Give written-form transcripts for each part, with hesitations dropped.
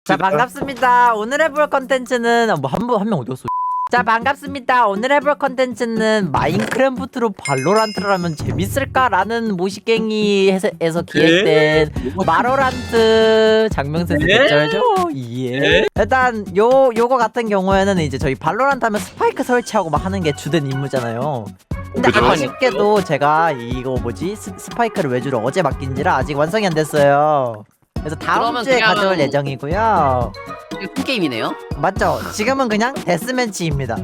자, 반갑습니다. 오늘 해볼 컨텐츠는 한 명 어디였어? 자, 반갑습니다. 오늘 해볼 컨텐츠는 마인크래프트로 발로란트를 하면 재밌을까라는 모시갱이에서 기획된 마로란트 장명세스 대절죠. 예. 일단 요거 같은 경우에는 이제 저희 발로란트 하면 스파이크 설치하고 막 하는 게 주된 임무잖아요. 근데 그죠? 아쉽게도 제가 이거 뭐지 스파이크를 외주로 어제 맡긴지라 아직 완성이 안 됐어요. 그래서 다음 그러면 주에 그냥- 가져올 예정이고요. 이게 게임이네요. 맞죠? 지금은 그냥 데스매치입니다.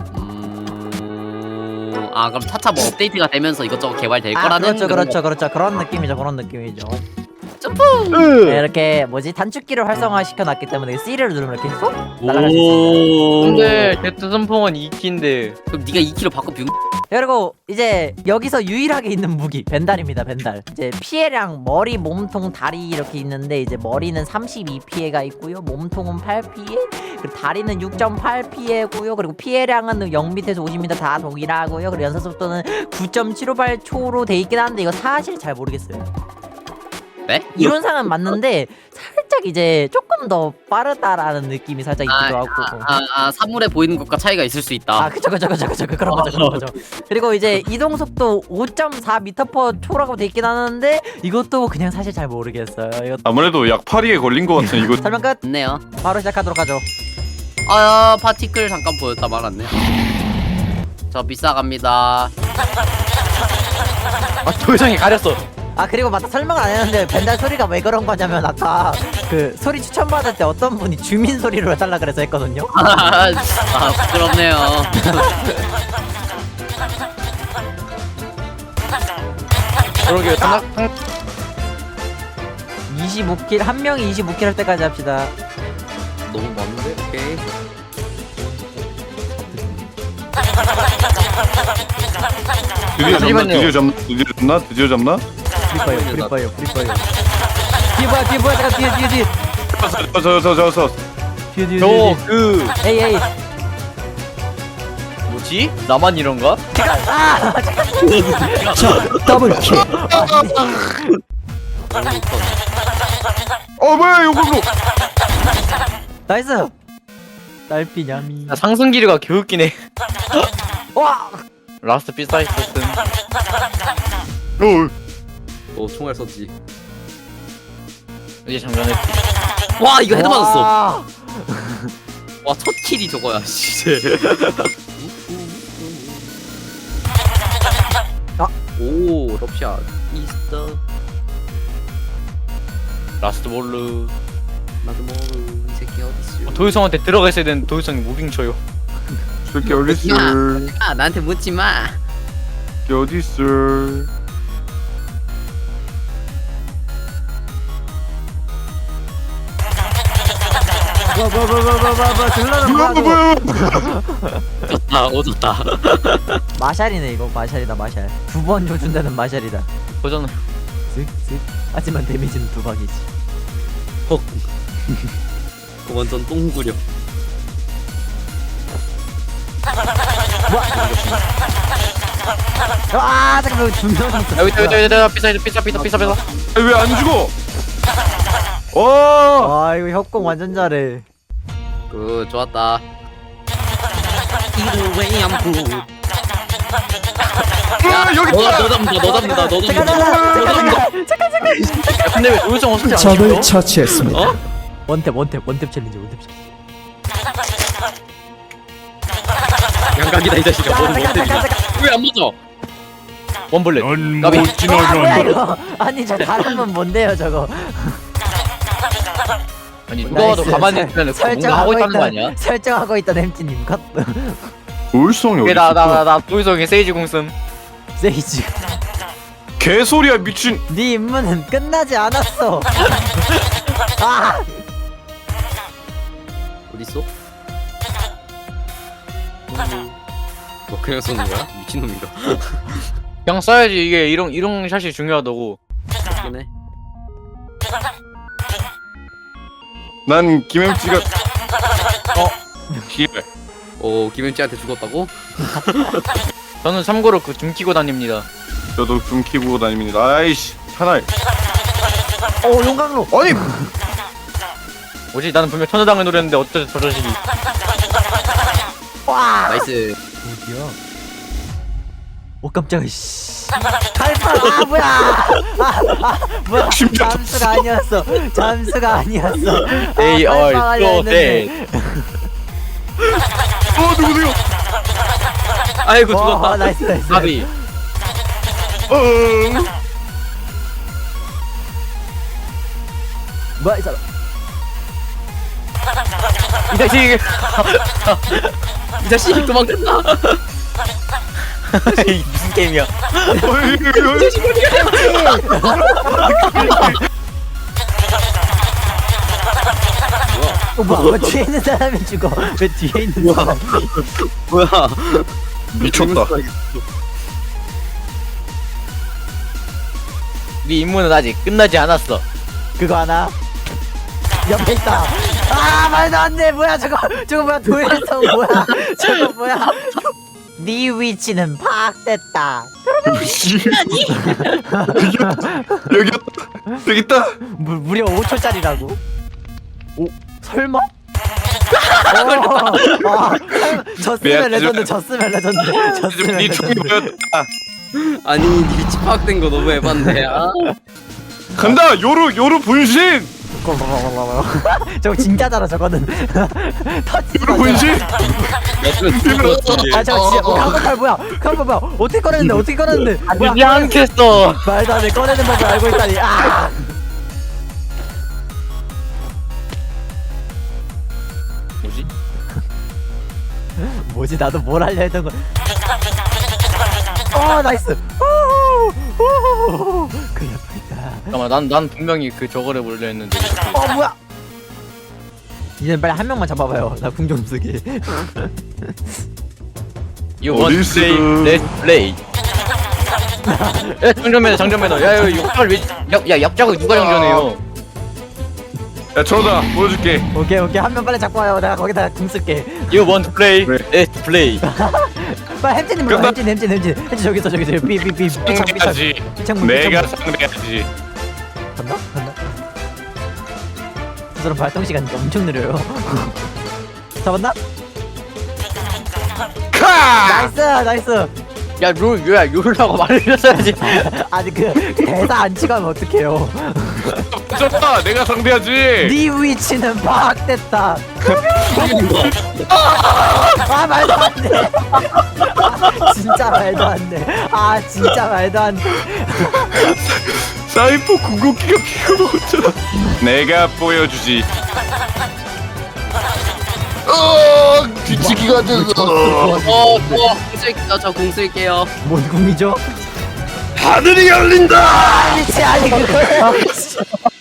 아 그럼 차차 뭐 업데이트가 되면서 이것저것 개발될 거라는 그렇죠. 그런 느낌이죠. 그런 느낌이죠. 점프. 네, 이렇게 뭐지 단축키를 활성화시켜 놨기 때문에 C를 누르면 이렇게 쏙 날아갈 수 있습니다. 근데 데트선풍은 2키인데 그럼 네가 2kg 바꿔 뷰. 그리고 이제 여기서 유일하게 있는 무기 벤달입니다. 벤달. 이제 피해량 머리, 몸통, 다리 이렇게 있는데 이제 머리는 32 피해가 있고요. 몸통은 8 피해, 그리고 다리는 6.8 피해고요. 그리고 피해량은 0 밑에서 50m 다 동일하고요. 그리고 연사 속도는 9.758초로 돼 있긴 한데 이거 사실 잘 모르겠어요. 네? 이론상은 맞는데 살짝 이제 조금 더 빠르다라는 느낌이 살짝 있기도 하고. 사물에 보이는 것과 차이가 있을 수 있다. 그쵸 그런 거죠. 그리고 이제 이동 속도 5.4m/초라고 돼 있긴 하는데 이것도 그냥 사실 잘 모르겠어요. 이거 아무래도 약파리에 걸린 것 같은 이거. 설명 끝. 좋네요. 바로 시작하도록 하죠. 파티클 잠깐 보였다 말았네. 저 비싸 갑니다. 도장이 가렸어. 그리고 맞다, 설명을 안 했는데 벤달 소리가 왜 그런 거냐면 아까 그 소리 추천받을 때 어떤 분이 주민 소리로 해달라 그래서 했거든요. 부끄럽네요. 그러게 25킬 한 명이 25킬 할 때까지 합시다. 너무 많은데? 오케이. 드디어 잡나? 프리파이어. 뒤에 뭐야 잠깐 뒤에. 저. 뒤에. 저그 에이. 뭐지? 나만 이런가? 더블킬. 뭐야 이거. 나이스. 딸피냐미. 야, 상승기류가 개웃기네. 와. 라스트 비사이트슨. 총알 썼지. 이제 장전했지. 와 이거 헤드 맞았어. 와. 와 첫 킬이 저거야. 진짜. 오 럽샷 있어. 라스트 볼루. 나도 모르 이 새끼 어딨어. 도유성한테 들어가 있어야 되는데 도유성이 무빙 쳐요. 새끼 어딨어? 나한테 묻지 마. 새끼 어딨어? 들러는 뭐야? 오졌다. 마샬이네 이거. 마샬이다. 9번 조준되는 마샬이다. 보잖아. 쓱쓱. 하지만 데미지는 2방이지. 그 완전 똥구려. 잠깐만. 2명. 여기 비사. 왜 안 죽어? 와. 이거 협공 완전 잘해. 굿 좋았다. 이루웨이 암프. 여기 너 잡는다. 근데 왜 도유성 어떻게 안 적을 죽여? 처치했습니다. 원탭 챌린지. 양각이다 이 자식아. 뭔 못되냐. 왜안 맞아? 원블렛. 넌못 뭐야 이거. 아니 저 다른 분 뭔데요 저거. 아니 누가 봐도 나이스. 가만히 있으면 뭔가 하고 있다는 거 아니야? 설정하고 있던 햄찌님 컷. 도일성이 이게 어딨어? 나 도유성이 세이지 궁씀. 세이지. 개소리야 미친. 네 임무는 끝나지 않았어. 어딨어? 뭐 그냥 쏘는 거야? 미친놈인가? 그냥 써야지. 이게 이런 샷이 중요하다고. 그네. 난 김햄찌가 기회. 김현지한테 죽었다고? 저는 참고로 그 줌 키고 다닙니다. 저도 좀 키고 다닙니다. 아이씨 차라리. 용광로. 아니 뭐지? 나는 분명 천여당을 노렸는데 어쩌지 저 자식이. 와 나이스. 어디야? 오 깜짝이야 씨 칼파 아 뭐야 뭐야 심장 잠수가 아니었어 잠수가 아니었어 They 칼빵 are 하려 so 했는데. dead. 누구세요? 아이고 와 죽었다. 나이스 나이스 가비. 뭐야 이 사람 이 자식. 이 자식 도망갔다. 이 무슨 게임이야? 뭐야 왜 뒤에 있는 사람이 죽어 왜 뒤에 있는 사람이 뭐야? 미쳤다. 네 임무는 아직 끝나지 않았어. 그거 하나 옆에 있다 아 말도 안돼 뭐야 저거 뭐야 도일성 뭐야 저거 뭐야 네 위치는 파악됐다 여기 있다. 무려 5초짜리라고 오 설마? 졌으면 레전드 졌으면 레전드 졌으면 네 죽이 레전드 보였다. 아니 니 위치 파악된 거 너무 에반데. 아. 간다. 요루 분신. 저거 진짜잖아 저거는 터치 요루 분신. 아 저거 진짜 강박팔 뭐야 강박 뭐야 어떻게 꺼냈는데 뭐야 이게 않겠어. 말도 안돼 꺼내는 법을 알고 있다니 아 뭐지? 뭐지 나도 뭘 하려 했던 건 나이스 그냥 뻔했다 잠깐만 난 분명히 그 저거를 몰려 했는데. 뭐야 이제 빨리 한 명만 잡아봐요 나 궁 좀 쓰게 You want to play? Let's play. 야 장전매너. 야 이거 역작을 야 역작을 누가 장전해요? 야 저다 보여줄게. 오케이 한 명 빨리 잡고 와요 내가 거기다 궁 쓸게 You want to play? 그래. Let's play. 빨리 햄찌님 불러 끝났- 햄찌 저기 있어 삐삐삐 상대하지. 피창문 내가 상대하지. 간다? 저 사람 발동 시간이 엄청 느려요 잡았나? 카! 나이스 야 룰라고 말을 해줬어야지. 아니 그 대사 안 치고 하면 어떡해요 졌다. 내가 상대하지. 네 위치는 파악됐다 아 말도 안돼 진짜 말도 안돼 아 진짜 말도 안돼 사이퍼 궁극기가 피가 먹었잖아. 내가 보여주지. 뒤치기가 저공 쓸게요. 뭔 궁이죠? 하늘이 열린다. 위치 아니 그거야